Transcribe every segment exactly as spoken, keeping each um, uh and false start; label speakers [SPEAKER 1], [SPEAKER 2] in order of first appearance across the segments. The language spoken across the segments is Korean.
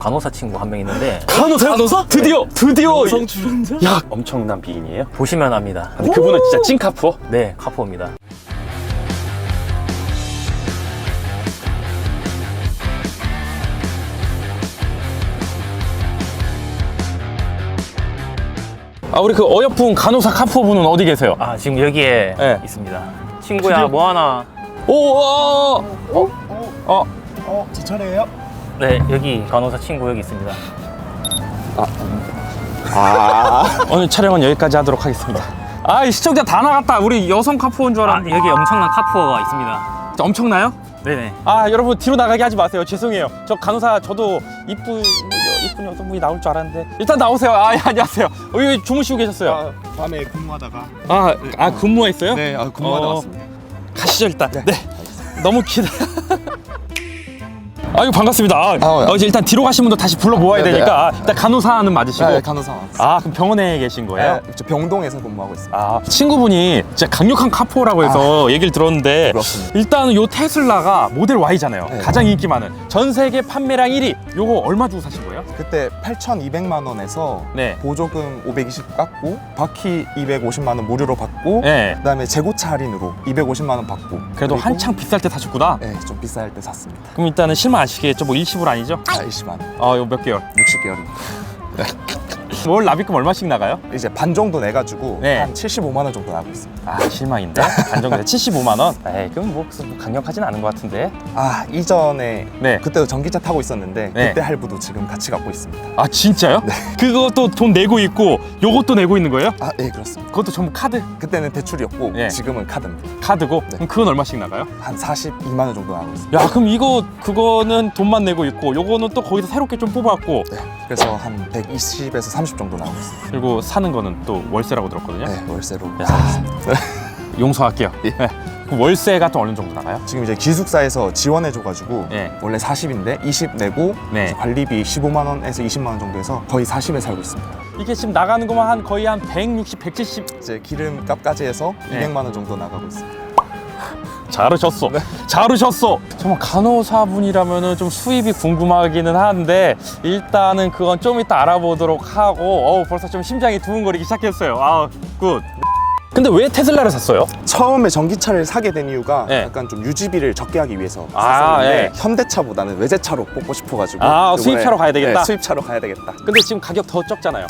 [SPEAKER 1] 간호사 친구 한 명 있는데
[SPEAKER 2] 간호사? 간호사? 드디어! 드디어!
[SPEAKER 3] 여성 출연자?
[SPEAKER 2] 야, 엄청난 비인이에요?
[SPEAKER 1] 보시면 압니다.
[SPEAKER 2] 근데 그분은 진짜 찐카푸어?
[SPEAKER 1] 네, 카푸어입니다.
[SPEAKER 2] 아, 우리 그 어여쁜 간호사 카푸어 분은 어디 계세요?
[SPEAKER 1] 아, 지금 여기에
[SPEAKER 2] 네.
[SPEAKER 1] 있습니다. 친구야,
[SPEAKER 2] 드디어?
[SPEAKER 1] 뭐 하나?
[SPEAKER 2] 오, 어, 어, 어,
[SPEAKER 3] 어, 제 차례예요?
[SPEAKER 1] 네, 여기 간호사 친구 여기 있습니다.
[SPEAKER 2] 아. 오늘 촬영은 여기까지 하도록 하겠습니다. 아, 이 시청자 다 나갔다. 우리 여성 카푸어인 줄
[SPEAKER 1] 아,
[SPEAKER 2] 알았는데.
[SPEAKER 1] 여기 엄청난 카푸어가 있습니다.
[SPEAKER 2] 엄청나요?
[SPEAKER 1] 네네.
[SPEAKER 2] 아, 여러분 뒤로 나가게 하지 마세요. 죄송해요. 저 간호사 저도 이쁜 이쁜 여성분이 나올 줄 알았는데 일단 나오세요. 아, 예, 안녕하세요. 어, 여기 주무시고 계셨어요?
[SPEAKER 3] 아, 밤에 근무하다가
[SPEAKER 2] 아, 아 근무했어요?
[SPEAKER 3] 네, 아, 근무하다
[SPEAKER 2] 어.
[SPEAKER 3] 왔습니다.
[SPEAKER 2] 가시죠 일단. 네. 너무 기대. 아유, 반갑습니다. 아,
[SPEAKER 3] 아,
[SPEAKER 2] 어, 이제 일단 뒤로 가신 분도 다시 불러 모아야
[SPEAKER 3] 네,
[SPEAKER 2] 되니까 일단 간호사는 맞으시고.
[SPEAKER 3] 네, 간호사 왔습니다.
[SPEAKER 2] 아, 그럼 병원에 계신 거예요?
[SPEAKER 3] 네, 저 병동에서 근무하고 있습니다.
[SPEAKER 2] 아, 친구분이 진짜 강력한 카푸어라고 해서 얘기를 들었는데
[SPEAKER 3] 그렇습니다.
[SPEAKER 2] 일단은 요 테슬라가 모델 Y잖아요.
[SPEAKER 3] 네.
[SPEAKER 2] 가장 인기 많은 전 세계 판매량 일 위. 요거 얼마 주고 사신 거예요?
[SPEAKER 3] 그때 팔천이백만 원에서
[SPEAKER 2] 네.
[SPEAKER 3] 보조금 오백이십 깎고 바퀴 이백오십만 원 무료로 받고
[SPEAKER 2] 네.
[SPEAKER 3] 그다음에 재고차 할인으로 이백오십만 원 받고
[SPEAKER 2] 그래도
[SPEAKER 3] 그리고,
[SPEAKER 2] 한창 비쌀 때 사셨구나.
[SPEAKER 3] 네, 좀 비쌀 때 샀습니다.
[SPEAKER 2] 그럼 일단은 실망 아시겠죠? 뭐 일시불 아니죠?
[SPEAKER 3] 사십만 원,
[SPEAKER 2] 아, 요 몇 개월?
[SPEAKER 3] 육십 개월입니다.
[SPEAKER 2] 월 납입금 얼마씩 나가요?
[SPEAKER 3] 이제 반 정도 내가지고
[SPEAKER 2] 네.
[SPEAKER 3] 한 칠십오만 원 정도 나고 있습니다.
[SPEAKER 2] 아, 실망인데? 안정돼서 칠십오만 원? 에이, 그럼 뭐, 뭐 강력하진 않은 것 같은데.
[SPEAKER 3] 아, 이전에
[SPEAKER 2] 네.
[SPEAKER 3] 그때도 전기차 타고 있었는데
[SPEAKER 2] 네.
[SPEAKER 3] 그때 할부도 지금 같이 갖고 있습니다.
[SPEAKER 2] 아, 진짜요? 그것도 돈 내고 있고 요것도 내고 있는 거예요?
[SPEAKER 3] 아, 네, 그렇습니다.
[SPEAKER 2] 그것도 전부 카드?
[SPEAKER 3] 그때는 대출이었고
[SPEAKER 2] 네.
[SPEAKER 3] 지금은 카드입니다.
[SPEAKER 2] 카드고?
[SPEAKER 3] 네.
[SPEAKER 2] 그럼 그건 얼마씩 나가요?
[SPEAKER 3] 한 사십이만 원 정도 나고 있습니다.
[SPEAKER 2] 야, 그럼 이거 그거는 돈만 내고 있고 요거는 또 거기서 새롭게 좀 뽑았고
[SPEAKER 3] 네, 그래서 한 백이십에서 삼십 정도 나오고 있습니다.
[SPEAKER 2] 그리고 사는 거는 또 월세라고 들었거든요.
[SPEAKER 3] 네, 월세로
[SPEAKER 2] 야.
[SPEAKER 3] 살고 있습니다.
[SPEAKER 2] 용서할게요.
[SPEAKER 3] 예.
[SPEAKER 2] 네. 그럼 월세가 또 어느 정도 나가요?
[SPEAKER 3] 지금 이제 기숙사에서 지원해줘가지고
[SPEAKER 2] 네.
[SPEAKER 3] 원래 사십인데 이십 내고
[SPEAKER 2] 네.
[SPEAKER 3] 이제 관리비 십오만 원에서 이십만 원 정도 해서 거의 사십에 살고 있습니다.
[SPEAKER 2] 이게 지금 나가는 것만 한 거의 한 백육십, 백칠십.
[SPEAKER 3] 이제 기름값까지 해서
[SPEAKER 2] 네.
[SPEAKER 3] 이백만 원 정도 나가고 있습니다.
[SPEAKER 2] 잘하셨어.
[SPEAKER 3] 네.
[SPEAKER 2] 잘하셨어. 정말 간호사분이라면은 좀 수입이 궁금하기는 한데 일단은 그건 좀 이따 알아보도록 하고 어우, 벌써 좀 심장이 두근거리기 시작했어요. 아, 굿. 근데 왜 테슬라를 샀어요?
[SPEAKER 3] 처음에 전기차를 사게 된 이유가
[SPEAKER 2] 네.
[SPEAKER 3] 약간 좀 유지비를 적게 하기 위해서
[SPEAKER 2] 아,
[SPEAKER 3] 샀었는데
[SPEAKER 2] 예.
[SPEAKER 3] 현대차보다는 외제차로 뽑고 싶어가지고
[SPEAKER 2] 아,
[SPEAKER 3] 이번에,
[SPEAKER 2] 수입차로 가야 되겠다?
[SPEAKER 3] 네, 수입차로 가야 되겠다.
[SPEAKER 2] 근데 지금 가격 더 적잖아요.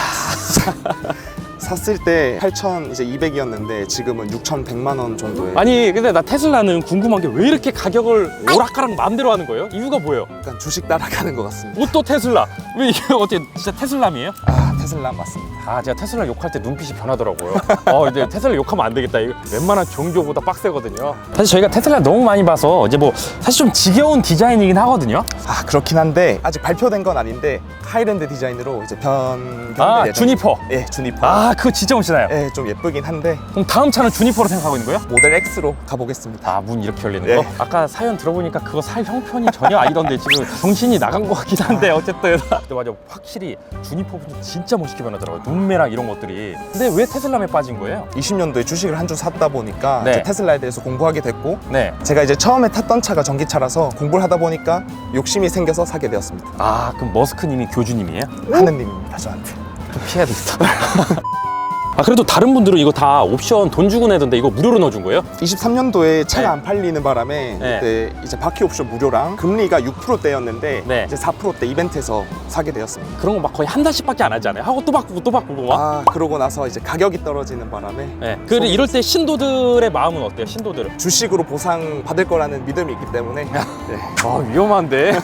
[SPEAKER 3] 샀을 때 팔천이백이었는데 지금은 육천백만 원 정도에
[SPEAKER 2] 아니, 근데 나 테슬라는 궁금한 게 왜 이렇게 가격을 오락가락 마음대로 하는 거예요? 이유가 뭐예요?
[SPEAKER 3] 약간 주식 따라가는 것 같습니다.
[SPEAKER 2] 뭐 또 테슬라? 왜 이게 어떻게 진짜 테슬라미에요?
[SPEAKER 3] 아, 테슬라 맞습니다.
[SPEAKER 2] 아, 제가 테슬라 욕할 때 눈빛이 변하더라고요. 어, 근데 테슬라 욕하면 안 되겠다. 이거 웬만한 종교보다 빡세거든요. 사실 저희가 테슬라 너무 많이 봐서 이제 뭐 사실 좀 지겨운 디자인이긴 하거든요.
[SPEAKER 3] 아, 그렇긴 한데 아직 발표된 건 아닌데 하이랜드 디자인으로 이제 변경될
[SPEAKER 2] 아,
[SPEAKER 3] 예정입니다.
[SPEAKER 2] 주니퍼.
[SPEAKER 3] 예, 주니퍼.
[SPEAKER 2] 아, 그거 진짜 멋지나요?
[SPEAKER 3] 예, 좀 예쁘긴 한데
[SPEAKER 2] 그럼 다음 차는 주니퍼로 생각하고 있는 거예요?
[SPEAKER 3] 모델 X로 가보겠습니다.
[SPEAKER 2] 아, 문 이렇게 열리는
[SPEAKER 3] 예.
[SPEAKER 2] 거? 아까 사연 들어보니까 그거 살 형편이 전혀 아니던데 지금 정신이 나간 것 같긴 한데 어쨌든 근데 맞아, 확실히 주니퍼 분이 진짜 멋있게 변하더라고요. 눈매랑 이런 것들이. 근데 왜 테슬라에 빠진 거예요?
[SPEAKER 3] 이십 년도에 주식을 한 주 샀다 보니까
[SPEAKER 2] 네.
[SPEAKER 3] 이제 테슬라에 대해서 공부하게 됐고
[SPEAKER 2] 네.
[SPEAKER 3] 제가 이제 처음에 탔던 차가 전기차라서 공부를 하다 보니까 욕심이 생겨서 사게 되었습니다.
[SPEAKER 2] 아, 그럼 머스크님이 교주님이에요?
[SPEAKER 3] 하느님입니다, 저한테.
[SPEAKER 2] 좀 피해야 되겠다. 아, 그래도 다른 분들은 이거 다 옵션 돈 주고 내던데 이거 무료로 넣어준 거예요?
[SPEAKER 3] 이십삼 년도에 차가
[SPEAKER 2] 네.
[SPEAKER 3] 안 팔리는 바람에
[SPEAKER 2] 네.
[SPEAKER 3] 그때 이제 바퀴 옵션 무료랑 금리가 육 퍼센트대였는데
[SPEAKER 2] 네.
[SPEAKER 3] 이제 사 퍼센트대 이벤트에서 사게 되었습니다.
[SPEAKER 2] 그런 거 막 거의 한 달씩밖에 안 하잖아요. 하고 또 바꾸고 또 바꾸고 막.
[SPEAKER 3] 아, 그러고 나서 이제 가격이 떨어지는 바람에
[SPEAKER 2] 네. 그 이럴 때 신도들의 마음은 어때요? 신도들은?
[SPEAKER 3] 주식으로 보상 받을 거라는 믿음이 있기 때문에 네.
[SPEAKER 2] 아, 위험한데.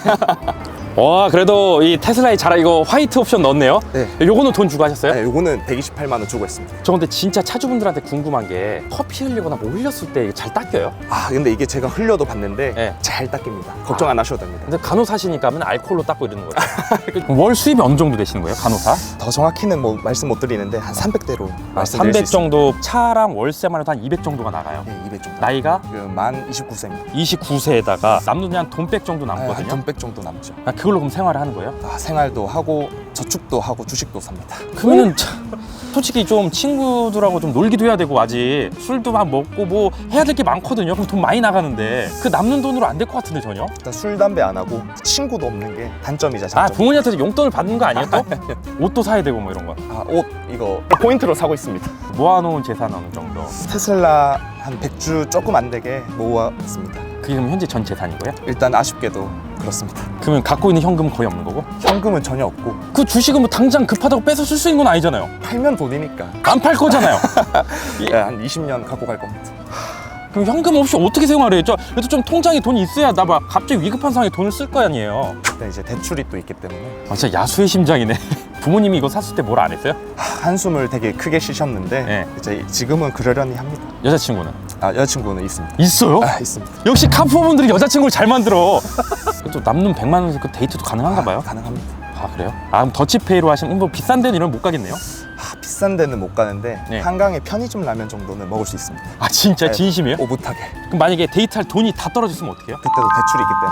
[SPEAKER 2] 와, 그래도 이 테슬라에 잘 이거 화이트 옵션 넣었네요.
[SPEAKER 3] 네.
[SPEAKER 2] 요거는 돈 주고 하셨어요?
[SPEAKER 3] 네, 요거는 백이십팔만 원 주고 했습니다.
[SPEAKER 2] 저 근데 진짜 차주분들한테 궁금한 게 커피 흘리거나 뭐 흘렸을 때 이게 잘 닦여요?
[SPEAKER 3] 아, 근데 이게 제가 흘려도 봤는데
[SPEAKER 2] 네.
[SPEAKER 3] 잘 닦입니다. 걱정 안 하셔도 됩니다.
[SPEAKER 2] 근데 간호사시니까 맨날 알코올로 닦고 이러는 거예요. 월 수입이 어느 정도 되시는 거예요, 간호사?
[SPEAKER 3] 더 정확히는 뭐 말씀 못 드리는데 한 삼백대로
[SPEAKER 2] 아,
[SPEAKER 3] 말씀드릴 수
[SPEAKER 2] 삼백
[SPEAKER 3] 있습니다.
[SPEAKER 2] 정도. 차랑 월세만 해도 한 이백 정도가 나가요.
[SPEAKER 3] 네, 이백 정도.
[SPEAKER 2] 나이가
[SPEAKER 3] 지금 만 이십구 세입니다.
[SPEAKER 2] 이십구 세에다가 남는 게 한 돈백 정도
[SPEAKER 3] 한
[SPEAKER 2] 남거든요.
[SPEAKER 3] 돈백 정도 남죠.
[SPEAKER 2] 아, 그걸로 그럼 생활을 하는 거예요?
[SPEAKER 3] 아, 생활도 하고 저축도 하고 주식도 삽니다.
[SPEAKER 2] 그러면은 참 솔직히 좀 친구들하고 좀 놀기도 해야 되고 아직 술도 막 먹고 뭐 해야 될 게 많거든요. 그럼 돈 많이 나가는데 그 남는 돈으로 안 될 것 같은데 전혀?
[SPEAKER 3] 일단 술 담배 안 하고 친구도 없는 게 단점이자
[SPEAKER 2] 아
[SPEAKER 3] 장점.
[SPEAKER 2] 부모님한테 용돈을 받는 거 아니에요 또? 옷도 사야 되고 뭐 이런 거.
[SPEAKER 3] 아, 옷 이거 포인트로 사고 있습니다.
[SPEAKER 2] 모아놓은 재산 어느 정도?
[SPEAKER 3] 테슬라 한 백 주 조금 안 되게 모았습니다.
[SPEAKER 2] 그게 그럼 현재 전 재산인 거예요?
[SPEAKER 3] 일단 아쉽게도 그렇습니다.
[SPEAKER 2] 그러면 갖고 있는 현금은 거의 없는 거고?
[SPEAKER 3] 현금은 전혀 없고
[SPEAKER 2] 그 주식은 뭐 당장 급하다고 뺏어 쓸 수 있는 건 아니잖아요.
[SPEAKER 3] 팔면 돈이니까
[SPEAKER 2] 안 팔 거잖아요.
[SPEAKER 3] 예, 한 이십 년 갖고 갈 겁니다.
[SPEAKER 2] 그럼 현금 없이 어떻게 생활해요? 저 그래도 좀 통장에 돈이 있어야 나 막 갑자기 위급한 상황에 돈을 쓸 거 아니에요.
[SPEAKER 3] 일단 이제 대출이 또 있기 때문에
[SPEAKER 2] 아, 진짜 야수의 심장이네. 부모님이 이거 샀을 때 뭘 안 했어요?
[SPEAKER 3] 하, 한숨을 되게 크게 쉬셨는데
[SPEAKER 2] 네.
[SPEAKER 3] 이제 지금은 그러려니 합니다.
[SPEAKER 2] 여자친구는?
[SPEAKER 3] 아, 여자친구는 있습니다.
[SPEAKER 2] 있어요?
[SPEAKER 3] 아, 있습니다.
[SPEAKER 2] 역시 카푸어분들이 여자친구를 잘 만들어. 또 남는 백만 원에서 그 데이트도 가능한가 봐요?
[SPEAKER 3] 아, 가능합니다.
[SPEAKER 2] 아 그래요? 아 그럼 더치페이로 하시면 뭐 비싼 데는 이런 못 가겠네요?
[SPEAKER 3] 아, 비싼 데는 못 가는데
[SPEAKER 2] 네.
[SPEAKER 3] 한강의 편의점 라면 정도는 먹을 수 있습니다.
[SPEAKER 2] 아 진짜
[SPEAKER 3] 네,
[SPEAKER 2] 진심이에요?
[SPEAKER 3] 오붓하게.
[SPEAKER 2] 그럼 만약에 데이트할 돈이 다 떨어졌으면 어떡해요?
[SPEAKER 3] 그때도 대출이 있기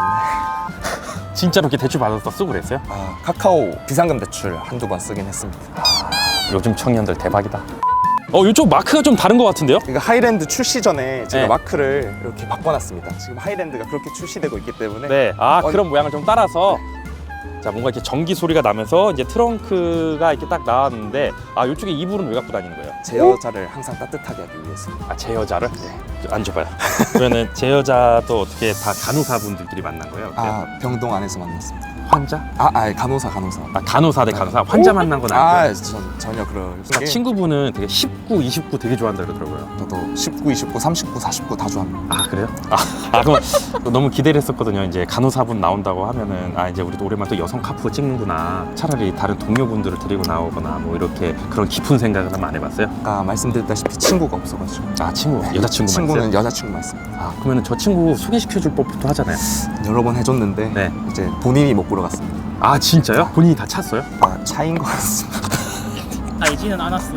[SPEAKER 3] 때문에
[SPEAKER 2] 진짜로 이렇게 대출 받아서 쓰고 그랬어요?
[SPEAKER 3] 아, 카카오 비상금 대출 한두 번 쓰긴 했습니다.
[SPEAKER 2] 요즘 청년들 대박이다. 어 이쪽 마크가 좀 다른 것 같은데요?
[SPEAKER 3] 그러니까 하이랜드 출시 전에 제가
[SPEAKER 2] 네.
[SPEAKER 3] 마크를 이렇게 바꿔놨습니다. 지금 하이랜드가 그렇게 출시되고 있기 때문에
[SPEAKER 2] 네. 아
[SPEAKER 3] 어,
[SPEAKER 2] 그런 모양을 좀 따라서 자 뭔가 이렇게 전기 소리가 나면서 이제 트렁크가 이렇게 딱 나왔는데 아 이쪽에 이불은 왜 갖고 다니는 거예요?
[SPEAKER 3] 제 여자를 항상 따뜻하게 하기 위해서.
[SPEAKER 2] 아 제 여자를? 네. 앉아봐요. 그러면은 제 여자도 어떻게 다 간호사분들끼리 만난 거예요?
[SPEAKER 3] 아, 병동 안에서 만났습니다.
[SPEAKER 2] 환자?
[SPEAKER 3] 아, 아 간호사 간호사.
[SPEAKER 2] 아 간호사 대 간호사 환자 만난 건 아니고요.
[SPEAKER 3] 아, 전 전혀 그럴
[SPEAKER 2] 아,
[SPEAKER 3] 게
[SPEAKER 2] 친구분은 되게 십구, 이십구 되게 좋아한다 그러더라고요.
[SPEAKER 3] 저도 십구, 이십구, 삼십구, 사십구 다 좋아합니다.
[SPEAKER 2] 아 그래요? 아, 아 그럼 너무 기대를 했었거든요. 이제 간호사분 나온다고 하면은 아 이제 우리도 오랜만에 또 여성 카푸어 찍는구나. 차라리 다른 동료분들을 데리고 나오거나 뭐 이렇게 그런 깊은 생각을 한번 안 해봤어요?
[SPEAKER 3] 아까 말씀드렸다시피 친구가 없어가지고
[SPEAKER 2] 아 친구, 여자친구만
[SPEAKER 3] 친구는
[SPEAKER 2] 있어요?
[SPEAKER 3] 여자친구만 있습니다.
[SPEAKER 2] 아 그러면은 저 친구 소개시켜줄 법도 하잖아요.
[SPEAKER 3] 여러 번 해줬는데
[SPEAKER 2] 네.
[SPEAKER 3] 이제 본인이 못 보러 갔습니다.
[SPEAKER 2] 아 진짜요? 본인이 다 찼어요?
[SPEAKER 3] 아, 차인 것 같습니다.
[SPEAKER 1] 알지는 않았어.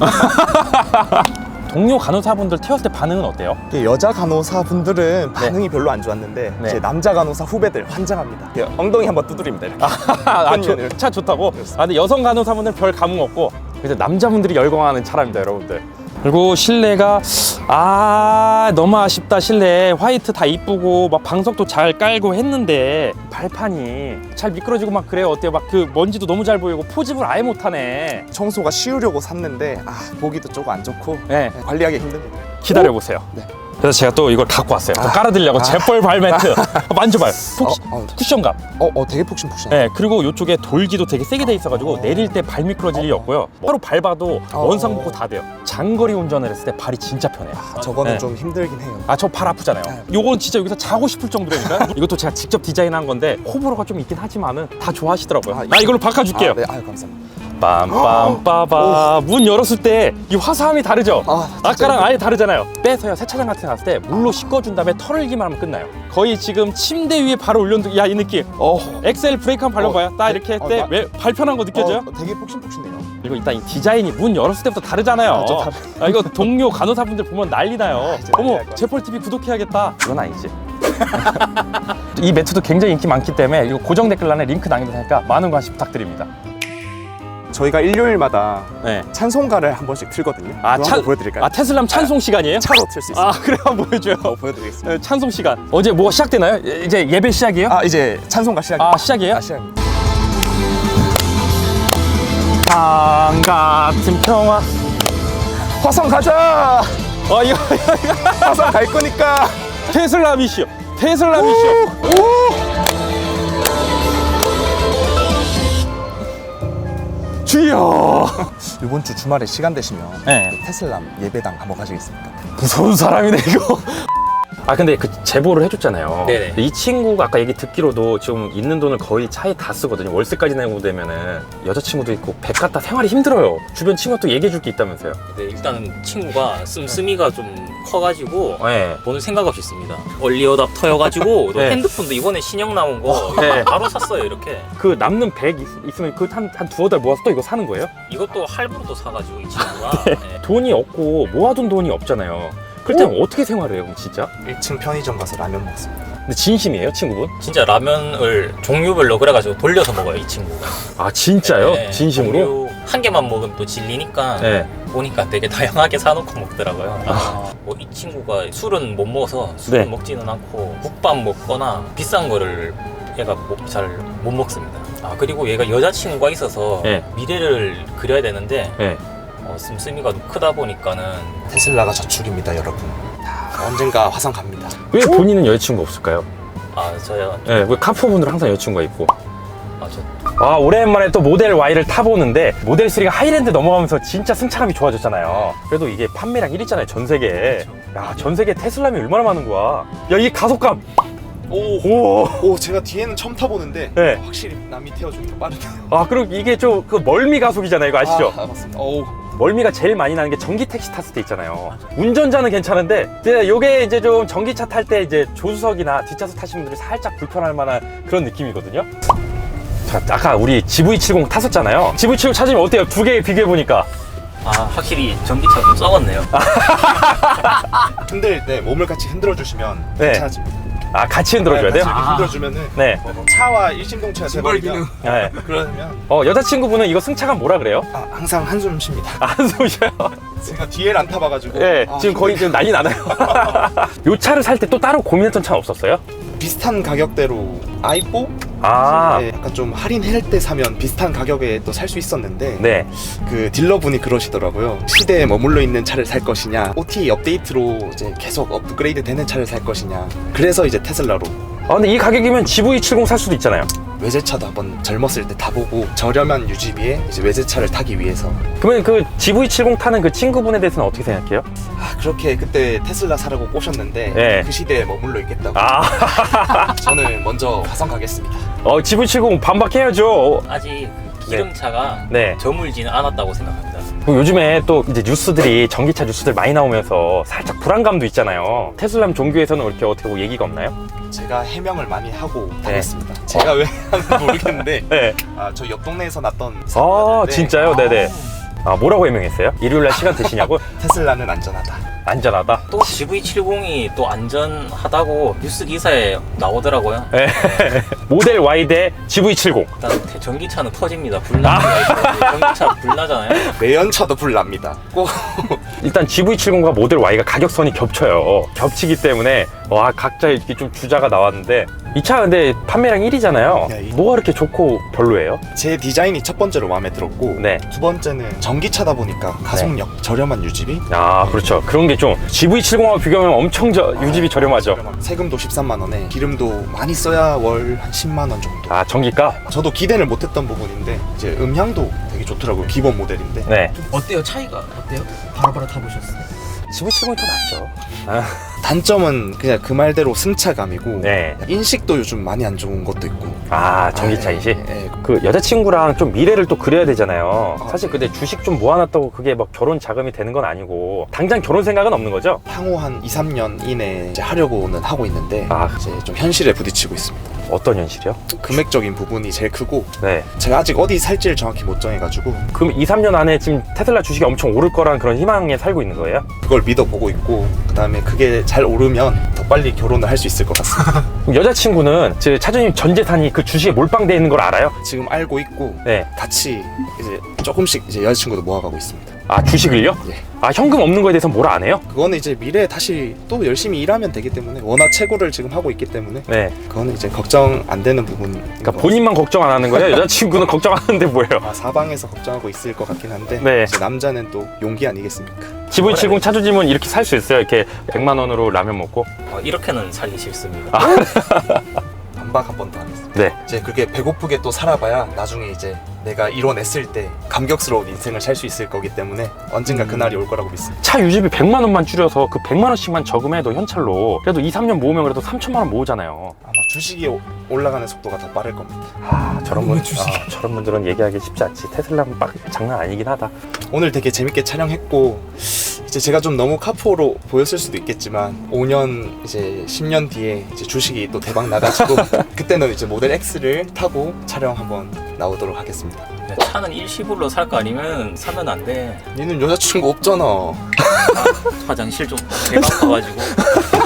[SPEAKER 2] 동료 간호사분들 태웠을 때 반응은 어때요?
[SPEAKER 3] 여자 간호사분들은 반응이 별로 안 좋았는데
[SPEAKER 2] 네.
[SPEAKER 3] 이제 남자 간호사 후배들 환장합니다. 이렇게 엉덩이 한번 두드립니다. 이렇게.
[SPEAKER 2] 아, 조,
[SPEAKER 3] 혼연을.
[SPEAKER 2] 차 좋다고? 아, 근데 여성 간호사분들 별 감흥 없고 이제 남자분들이 열광하는 차랍니다, 여러분들. 그리고 실내가 아 너무 아쉽다. 실내 화이트 다 이쁘고 막 방석도 잘 깔고 했는데 발판이 잘 미끄러지고 막 그래요. 어때요? 막 그 먼지도 너무 잘 보이고 포집을 아예 못하네.
[SPEAKER 3] 청소가 쉬우려고 샀는데 아, 보기도 조금 안 좋고
[SPEAKER 2] 네,
[SPEAKER 3] 네, 관리하기 힘듭니다.
[SPEAKER 2] 기다려 보세요.
[SPEAKER 3] 네.
[SPEAKER 2] 그래서 제가 또 이걸 갖고 왔어요. 또
[SPEAKER 3] 아.
[SPEAKER 2] 깔아드리려고
[SPEAKER 3] 아.
[SPEAKER 2] 재벌 발매트 만져봐요. 폭,
[SPEAKER 3] 어, 어,
[SPEAKER 2] 쿠션감.
[SPEAKER 3] 어, 어 되게 폭신폭신.
[SPEAKER 2] 네, 그리고 이쪽에 돌기도 되게 세게 돼 있어가지고 내릴 때 발 미끄러질 일이 없고요. 바로 밟아도
[SPEAKER 3] 어.
[SPEAKER 2] 원상 복구 다 돼요. 장거리 운전을 했을 때 발이 진짜 편해요.
[SPEAKER 3] 아, 저거는
[SPEAKER 2] 네.
[SPEAKER 3] 좀 힘들긴 해요.
[SPEAKER 2] 아, 저 발 아프잖아요.
[SPEAKER 3] 네.
[SPEAKER 2] 요건 진짜 여기서 자고 싶을 정도라니까. 이것도 제가 직접 디자인한 건데 호불호가 좀 있긴 하지만은 다 좋아하시더라고요.
[SPEAKER 3] 아,
[SPEAKER 2] 나 이걸로 바꿔줄게요.
[SPEAKER 3] 아, 네, 아유 감사합니다.
[SPEAKER 2] 빰빰빠바. 문 열었을 때 이 화사함이 다르죠?
[SPEAKER 3] 아, 진짜
[SPEAKER 2] 아까랑
[SPEAKER 3] 예쁘다.
[SPEAKER 2] 아예 다르잖아요. 빼서요 세차장 같은 데 갔을 때 물로 씻어준 다음에 털기만 하면 끝나요. 거의 지금 침대 위에 발을 올려놓은 야 이 느낌.
[SPEAKER 3] 어,
[SPEAKER 2] 엑셀 브레이크 한번 밟아봐요.
[SPEAKER 3] 어,
[SPEAKER 2] 딱
[SPEAKER 3] 네.
[SPEAKER 2] 이렇게 할
[SPEAKER 3] 어,
[SPEAKER 2] 때
[SPEAKER 3] 나-
[SPEAKER 2] 왜 발편한 거 느껴져요?
[SPEAKER 3] 어, 되게 폭신폭신해요.
[SPEAKER 2] 그리고 일단 이 디자인이 문 열었을 때부터 다르잖아요.
[SPEAKER 3] 아, 좀 다르-
[SPEAKER 2] 아, 이거 동료 간호사분들 보면 난리 나요.
[SPEAKER 3] 이제
[SPEAKER 2] 어머,
[SPEAKER 3] 난리 날것
[SPEAKER 2] 제펄티비 구독해야겠다. 이건 아니지. 이 매트도 굉장히 인기 많기 때문에 이거 고정 댓글란에 링크 남겨놓으니까 많은 관심 부탁드립니다.
[SPEAKER 3] 저희가 일요일마다
[SPEAKER 2] 네.
[SPEAKER 3] 찬송가를 한 번씩 틀거든요.
[SPEAKER 2] 아,
[SPEAKER 3] 그거
[SPEAKER 2] 찬-
[SPEAKER 3] 한번 보여드릴까요?
[SPEAKER 2] 아, 테슬람 찬송 시간이에요?
[SPEAKER 3] 차로 틀 수 있어요.
[SPEAKER 2] 아, 그래 한번 보여줘요.
[SPEAKER 3] 어, 보여드리겠습니다.
[SPEAKER 2] 네, 찬송 시간. 어제 뭐가 시작되나요? 이제 예배 시작이에요?
[SPEAKER 3] 아, 이제 찬송가 시작.
[SPEAKER 2] 아, 시작이에요?
[SPEAKER 3] 아, 시작입니다.
[SPEAKER 2] 방 같은 평화.
[SPEAKER 3] 화성 가자.
[SPEAKER 2] 어, 이거, 이거
[SPEAKER 3] 화성 갈 거니까.
[SPEAKER 2] 테슬라 미시오. 테슬라 미시오. 주여.
[SPEAKER 3] 이번 주 주말에 시간 되시면
[SPEAKER 2] 네.
[SPEAKER 3] 그 테슬람 예배당 한번 가시겠습니까?
[SPEAKER 2] 무서운 사람이네 이거. 아 근데 그 제보를 해줬잖아요.
[SPEAKER 1] 네네.
[SPEAKER 2] 이 친구가 아까 얘기 듣기로도 지금 있는 돈을 거의 차에 다 쓰거든요. 월세까지 내고 되면은 여자친구도 있고 백 갖다 생활이 힘들어요. 주변 친구가 또 얘기해줄 게 있다면서요.
[SPEAKER 1] 근데 일단은 친구가 씀씀이가 좀 커가지고
[SPEAKER 2] 네.
[SPEAKER 1] 보는 생각 없이 씁니다. 얼리어답 터여가지고 또
[SPEAKER 2] 네.
[SPEAKER 1] 핸드폰도 이번에 신형 나온 거
[SPEAKER 2] 네.
[SPEAKER 1] 바로 샀어요. 이렇게
[SPEAKER 2] 그 남는 백 있, 있으면 그 한 한 두어 달 모아서 또 이거 사는 거예요?
[SPEAKER 1] 이것도 할부로 또 사가지고 이 친구가 네.
[SPEAKER 2] 돈이 없고 모아둔 돈이 없잖아요. 그럴 때는 어떻게 생활해요, 그럼 진짜?
[SPEAKER 3] 일 층 편의점 가서 라면 먹습니다.
[SPEAKER 2] 근데 진심이에요, 친구분?
[SPEAKER 1] 진짜 라면을 종류별로 그래가지고 돌려서 먹어요 이 친구가.
[SPEAKER 2] 아 진짜요?
[SPEAKER 1] 네,
[SPEAKER 2] 진심으로?
[SPEAKER 1] 종류 한 개만 먹으면 또 질리니까
[SPEAKER 2] 네.
[SPEAKER 1] 보니까 되게 다양하게 사놓고 먹더라고요.
[SPEAKER 2] 아.
[SPEAKER 1] 뭐 이 친구가 술은 못 먹어서 술은
[SPEAKER 2] 네.
[SPEAKER 1] 먹지는 않고 국밥 먹거나 비싼 거를 얘가 잘 못 먹습니다. 아 그리고 얘가 여자친구가 있어서
[SPEAKER 2] 네.
[SPEAKER 1] 미래를 그려야 되는데
[SPEAKER 2] 네.
[SPEAKER 1] 어, 씀씀이가 크다 보니까는
[SPEAKER 3] 테슬라가 저축입니다, 여러분. 언젠가 화성 갑니다.
[SPEAKER 2] 왜 본인은 여자친구 없을까요?
[SPEAKER 1] 아 저야
[SPEAKER 2] 네, 왜 카푸어분들은 항상 여자친구가 있고.
[SPEAKER 1] 아, 저
[SPEAKER 2] 아, 오랜만에 또 모델 Y를 타보는데 모델 쓰리가 하이랜드 넘어가면서 진짜 승차감이 좋아졌잖아요. 그래도 이게 판매량 일 위잖아요, 전 세계에. 야, 전 세계 테슬라면 얼마나 많은 거야. 야, 이 가속감.
[SPEAKER 3] 오,
[SPEAKER 2] 오.
[SPEAKER 3] 오, 제가 뒤에는 처음 타보는데
[SPEAKER 2] 네.
[SPEAKER 3] 확실히 남이 태워주니까 빠르네요.
[SPEAKER 2] 아, 그리고 이게 좀 그 멀미 가속이잖아요, 이거 아시죠?
[SPEAKER 3] 아, 맞습니다. 오,
[SPEAKER 2] 멀미가 제일 많이 나는 게 전기 택시 탔을 때 있잖아요. 운전자는 괜찮은데 이제 요게 이제 좀 전기차 탈 때 이제 조수석이나 뒷좌석 타시는 분들이 살짝 불편할 만한 그런 느낌이거든요. 자, 아까 우리 지브이 칠십 탔었잖아요. 지브이 칠십 찾으면 어때요? 두 개 비교해 보니까.
[SPEAKER 1] 아 확실히 전기차 좀 썩었네요.
[SPEAKER 3] 흔들 때 몸을 같이 흔들어 주시면
[SPEAKER 2] 네.
[SPEAKER 3] 괜찮아집니다.
[SPEAKER 2] 아, 같이 흔들어줘야 돼요?
[SPEAKER 3] 같이 이렇게
[SPEAKER 1] 아.
[SPEAKER 3] 흔들어 주면은
[SPEAKER 2] 네.
[SPEAKER 3] 차와 일심동체가 돼버리면
[SPEAKER 2] 네.
[SPEAKER 3] 그러면
[SPEAKER 2] 어, 여자친구분은 이거 승차감 뭐라 그래요?
[SPEAKER 3] 아, 항상 한숨 쉽니다.
[SPEAKER 2] 아, 한숨 쉬어요?
[SPEAKER 3] 제가 뒤에를 안 타봐가지고
[SPEAKER 2] 네,
[SPEAKER 3] 아,
[SPEAKER 2] 지금 거의 지금 난리 나나요? 요 차를 살 때 또 따로 고민했던 차는 없었어요?
[SPEAKER 3] 비슷한 가격대로 아이포?
[SPEAKER 2] 아,
[SPEAKER 3] 네, 약간 좀 할인할 때 사면 비슷한 가격에 또 살 수 있었는데
[SPEAKER 2] 네.
[SPEAKER 3] 그 딜러분이 그러시더라고요. 시대에 머물러 있는 차를 살 것이냐, 오티 업데이트로 이제 계속 업그레이드 되는 차를 살 것이냐. 그래서 이제 테슬라로
[SPEAKER 2] 아, 근데 이 가격이면 지브이 칠십 살 수도 있잖아요.
[SPEAKER 3] 외제차도 한번 젊었을 때 타보고 저렴한 유지비에 이제 외제차를 타기 위해서.
[SPEAKER 2] 그러면 그 지브이 칠십 타는 그 친구분에 대해서는 어떻게 생각해요?
[SPEAKER 3] 아, 그렇게 그때 테슬라 사라고 꼬셨는데
[SPEAKER 2] 네.
[SPEAKER 3] 그 시대에 머물러 있겠다고.
[SPEAKER 2] 아,
[SPEAKER 3] 저는 먼저 화성 가겠습니다.
[SPEAKER 2] 어, 지브이 칠십 반박해야죠.
[SPEAKER 1] 아직 그 기름차가
[SPEAKER 2] 네.
[SPEAKER 1] 저물지는 않았다고 생각합니다.
[SPEAKER 2] 그리고 요즘에 또 이제 뉴스들이 전기차 뉴스들 많이 나오면서 살짝 불안감도 있잖아요. 테슬라 종교에서는 이렇게 어떻게 뭐 얘기가 없나요?
[SPEAKER 3] 제가 해명을 많이 하고
[SPEAKER 2] 네.
[SPEAKER 3] 다녔습니다. 제가 왜 하는지 모르겠는데
[SPEAKER 2] 네.
[SPEAKER 3] 아, 저 옆 동네에서 났던
[SPEAKER 2] 아,
[SPEAKER 3] 사고였는데
[SPEAKER 2] 진짜요? 네네. 아, 뭐라고 해명했어요? 일요일날 시간 되시냐고?
[SPEAKER 3] 테슬라는 안전하다.
[SPEAKER 2] 안전하다.
[SPEAKER 1] 또 지브이 칠십이 또 안전하다고 뉴스 기사에 나오더라고요.
[SPEAKER 2] 네. 모델 Y 대 지브이 칠십.
[SPEAKER 1] 일단 대- 전기차는 터집니다. 불나기가 있고 전기차 불나잖아요.
[SPEAKER 3] 매연차도 불납니다. 꼭
[SPEAKER 2] 일단 지브이 칠십과 모델 Y가 가격선이 겹쳐요. 겹치기 때문에 와, 각자 이렇게 좀 주자가 나왔는데 이 차 근데 판매량 일 위잖아요.
[SPEAKER 3] 네, 이-
[SPEAKER 2] 뭐가 그렇게 좋고 별로예요?
[SPEAKER 3] 제 디자인이 첫 번째로 마음에 들었고
[SPEAKER 2] 네.
[SPEAKER 3] 두 번째는 전기차다 보니까 가속력, 저렴한 유지비.
[SPEAKER 2] 아, 그렇죠. 그런 게 좀 지브이 칠십하고 비교하면 엄청 저, 유지비 저렴하죠.
[SPEAKER 3] 저렴한- 세금도 십삼만 원에 기름도 많이 써야 월 한 십만 원 정도.
[SPEAKER 2] 아, 전기가?
[SPEAKER 3] 저도 기대를 못했던 부분인데 이제 음향도 되게 좋더라고요. 기본 모델인데.
[SPEAKER 2] 네.
[SPEAKER 4] 어때요? 차이가 어때요? 바로바로 타보셨어요?
[SPEAKER 2] 지브이 칠십이 더 낫죠. 아,
[SPEAKER 3] 단점은 그냥 그 말대로 승차감이고
[SPEAKER 2] 네.
[SPEAKER 3] 인식도 요즘 많이 안 좋은 것도 있고.
[SPEAKER 2] 아, 전기차 인식?
[SPEAKER 3] 예, 예.
[SPEAKER 2] 그 여자친구랑 좀 미래를 또 그려야 되잖아요. 사실 근데 주식 좀 모아놨다고 그게 막 결혼 자금이 되는 건 아니고 당장 결혼 생각은 없는 거죠?
[SPEAKER 3] 향후 한 이, 삼 년 이내에 이제 하려고는 하고 있는데
[SPEAKER 2] 아.
[SPEAKER 3] 이제 좀 현실에 부딪히고 있습니다.
[SPEAKER 2] 어떤 현실이요?
[SPEAKER 3] 금액적인 부분이 제일 크고
[SPEAKER 2] 네.
[SPEAKER 3] 제가 아직 어디 살지를 정확히 못 정해가지고
[SPEAKER 2] 그럼 이, 삼 년 안에 지금 테슬라 주식이 엄청 오를 거란 그런 희망에 살고 있는 거예요?
[SPEAKER 3] 그걸 믿어보고 있고 그 다음에 그게 잘 오르면 더 빨리 결혼을 할 수 있을 것 같습니다.
[SPEAKER 2] 그럼 여자친구는 제 차주님 전 재산이 그 주식에 몰빵되어 있는 걸 알아요?
[SPEAKER 3] 지금 알고 있고
[SPEAKER 2] 네.
[SPEAKER 3] 같이 이제 조금씩 이제 여자친구도 모아가고 있습니다.
[SPEAKER 2] 아, 주식을요?
[SPEAKER 3] 예.
[SPEAKER 2] 아, 현금 없는 거에 대해서 뭐라 안 해요?
[SPEAKER 3] 그거는 이제 미래에 다시 또 열심히 일하면 되기 때문에 워낙 채굴을 지금 하고 있기 때문에
[SPEAKER 2] 네.
[SPEAKER 3] 그거는 이제 걱정 안 되는 부분.
[SPEAKER 2] 그러니까 본인만 걱정 안 하는 거예요? 여자친구는 걱정하는데 뭐예요?
[SPEAKER 3] 아, 사방에서 걱정하고 있을 것 같긴 한데
[SPEAKER 2] 네.
[SPEAKER 3] 이제 남자는 또 용기 아니겠습니까?
[SPEAKER 2] 지브이 칠십 차주님은 이렇게 살 수 있어요? 이렇게 백만 원으로 라면 먹고?
[SPEAKER 1] 어, 이렇게는 살기 싫습니다.
[SPEAKER 3] 반박 한 번 더 하겠습니다.
[SPEAKER 2] 네.
[SPEAKER 3] 이제 그게 배고프게 또 살아봐야 나중에 이제 내가 이뤄냈을 때 감격스러운 인생을 살 수 있을 거기 때문에 언젠가 그날이 올 거라고 믿습니다.
[SPEAKER 2] 차 유지비 백만 원만 줄여서 그 백만 원씩만 저금해도 현찰로 그래도 이, 삼 년 모으면 그래도 삼천만 원 모으잖아요.
[SPEAKER 3] 아마 주식이 오- 올라가는 속도가 더 빠를 겁니다.
[SPEAKER 2] 아, 저런 분,
[SPEAKER 4] 주식.
[SPEAKER 2] 아, 저런 분들은 얘기하기 쉽지 않지. 테슬라는 빡 장난 아니긴 하다.
[SPEAKER 3] 오늘 되게 재밌게 촬영했고 이제 제가 좀 너무 카푸어로 보였을 수도 있겠지만 오 년 이제 십 년 뒤에 이제 주식이 또 대박 나가지고 그때는 이제 모델 X를 타고 촬영 한번 나오도록 하겠습니다.
[SPEAKER 1] 야, 차는 일시불로 살 거 아니면 사면 안 돼.
[SPEAKER 3] 니는 여자친구 없잖아.
[SPEAKER 1] 화장실 좀 대박 가가지고